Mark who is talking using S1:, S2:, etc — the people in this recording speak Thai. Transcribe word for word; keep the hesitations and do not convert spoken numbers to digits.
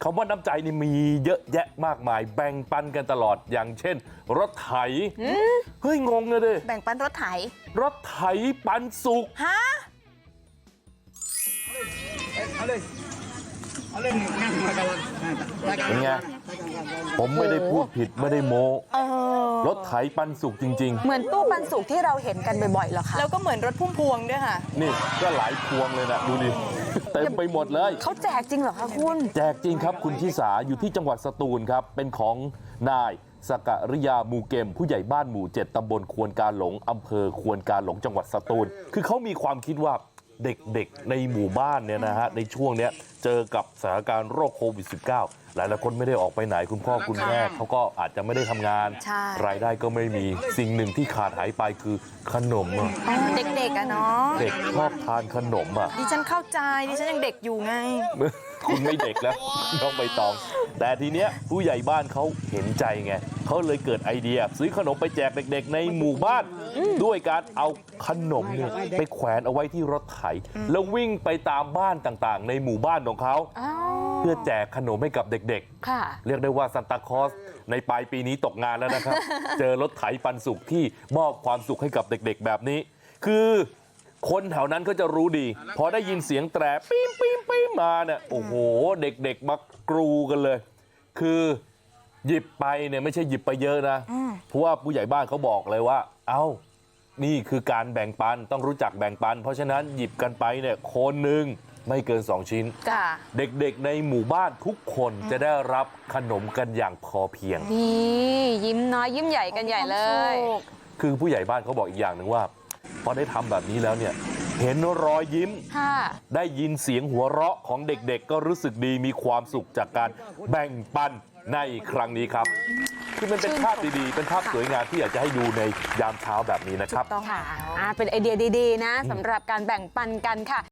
S1: ำว่าน้ำใจนี่มีเยอะแยะมากมายแบ่งปันกันตลอดอย่างเช่นรถไถเฮ้ยงงเลยดิ
S2: แบ่งปันรถไถ
S1: รถไถปันสุก
S2: ฮะ
S3: เอาเลยเอาเลยนั่งมากัน
S1: เป็นไงผมไม่ได้พูดผิดไม่ได้โม้รถไถปันสุกจริงๆ
S2: เหมือนตู้ปันสุกที่เราเห็นกันบ่อยๆหรอคะ
S4: แล้วก็เหมือนรถพุ่มพวงด้วยค่ะ
S1: นี่ก็หลายพวงเลยนะดูดิเต็มไปหมดเลย
S2: เขาแจกจริงเหรอคะคุณ
S1: แจกจริงครับคุณชิสาอยู่ที่จังหวัดสตูลครับเป็นของนายสกริยามูเกมผู้ใหญ่บ้านหมู่เจ็ดตำบลควนกาหลงอำเภอควนกาหลงจังหวัดสตูลคือเขามีความคิดว่าเด็กๆในหมู่บ้านเนี่ยนะฮะในช่วงนี้เจอกับสถานการณ์โรคโควิด สิบเก้า หลายๆคนไม่ได้ออกไปไหนคุณพ่อคุณแม่เขาก็อาจจะไม่ได้ทำงานรายได้ก็ไม่มีสิ่งหนึ่งที่ขาดหายไปคือขนมอ่ะ
S2: เด็กๆอะเนาะ
S1: เด็กชอบทานขนมอ่ะ
S4: ดิฉันเข้าใจดิฉันยังเด็กอยู่ไง
S1: คุณไม่เด็กแล้วน้องใบตองแต่ทีเนี้ยผู้ใหญ่บ้านเขาเห็นใจไงเขาเลยเกิดไอเดียซื้อขนมไปแจกเด็กๆในหมู่บ้านด้วยการเอาขนมเนี่ยไปแขวนเอาไว้ที่รถไถแล้ววิ่งไปตามบ้านต่างๆในหมู่บ้านของเขาเพื่อแจกขนมให้กับเด็กๆเรียกได้ว่าซันตาคลอสในปลายปีนี้ตกงานแล้วนะครับเจอรถไถปันสุกที่มอบความสุขให้กับเด็กๆแบบนี้คือคนแถวนั้นก็จะรู้ดีพอได้ยินเสียงแตรปี๊มปี๊มปี๊มมาเนี่ยโอ้โหเด็กๆมากรูกันเลยคือหยิบไปเนี่ยไม่ใช่หยิบไปเยอะนะเพราะว่าผู้ใหญ่บ้านเขาบอกเลยว่าเอ้านี่คือการแบ่งปันต้องรู้จักแบ่งปันเพราะฉะนั้นหยิบกันไปเนี่ยคนหนึ่งไม่เกินสองชิ้นเด็กๆในหมู่บ้านทุกคนจะได้รับขนมกันอย่างพอเพียง
S2: นี่ยิ้มน้อยยิ้มใหญ่กันใหญ่เลย
S1: คือผู้ใหญ่บ้านเขาบอกอีกอย่างหนึ่งว่าพอได้ทำแบบนี้แล้วเนี่ยเห็นรอยยิ้มได้ยินเสียงหัวเราะของเด็กๆก็รู้สึกดีมีความสุขจากการแบ่งปันในครั้งนี้ครับคือมันเป็นภาพดีๆเป็นภาพสวยงามที่อยากจะให้ดูในยามเช้าแบบนี้นะครับ
S2: ต้องค่ะเป็นไอเดียดีๆนะสำหรับการแบ่งปันกันค่ะ